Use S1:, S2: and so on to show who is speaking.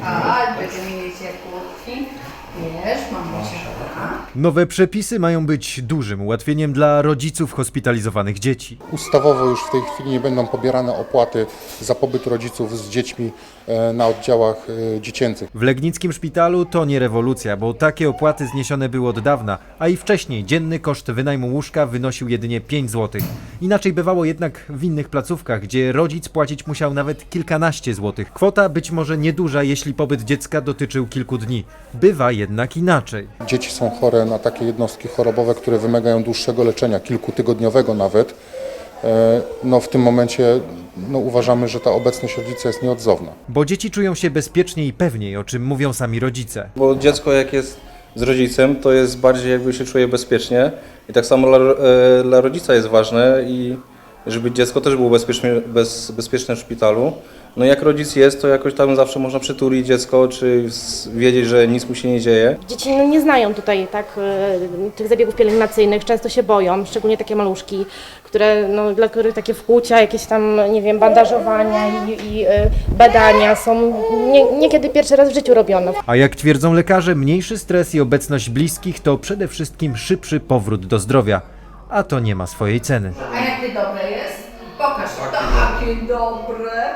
S1: Tak, będziemy mieli ciepłotki. Wiesz, mamusia.
S2: Nowe przepisy mają być dużym ułatwieniem dla rodziców hospitalizowanych dzieci.
S3: Ustawowo już w tej chwili nie będą pobierane opłaty za pobyt rodziców z dziećmi na oddziałach dziecięcych.
S2: W legnickim szpitalu to nie rewolucja, bo takie opłaty zniesione były od dawna, a i wcześniej dzienny koszt wynajmu łóżka wynosił jedynie 5 zł. Inaczej bywało jednak w innych placówkach, gdzie rodzic płacić musiał nawet kilkanaście złotych. Kwota być może nieduża, jeśli pobyt dziecka dotyczył kilku dni. Bywa jednak inaczej.
S3: Dzieci są chore na takie jednostki chorobowe, które wymagają dłuższego leczenia, kilkutygodniowego nawet. No w tym momencie uważamy, że ta obecność rodzica jest nieodzowna.
S2: Bo dzieci czują się bezpieczniej i pewniej, o czym mówią sami rodzice.
S4: Bo dziecko jak jest z rodzicem, to jest bardziej jakby się czuje bezpiecznie i tak samo dla rodzica jest ważne i żeby dziecko też było bezpieczne w szpitalu. No jak rodzic jest, to jakoś tam zawsze można przytulić dziecko, czy wiedzieć, że nic mu się nie dzieje.
S5: Dzieci nie znają tutaj tych zabiegów pielęgnacyjnych, często się boją, szczególnie takie maluszki, dla których takie wkłucia, jakieś tam, nie wiem, bandażowania i badania są niekiedy pierwszy raz w życiu robione.
S2: A jak twierdzą lekarze, mniejszy stres i obecność bliskich to przede wszystkim szybszy powrót do zdrowia. A to nie ma swojej ceny.
S1: A jakie dobre jest? Pokaż to, jakie dobre.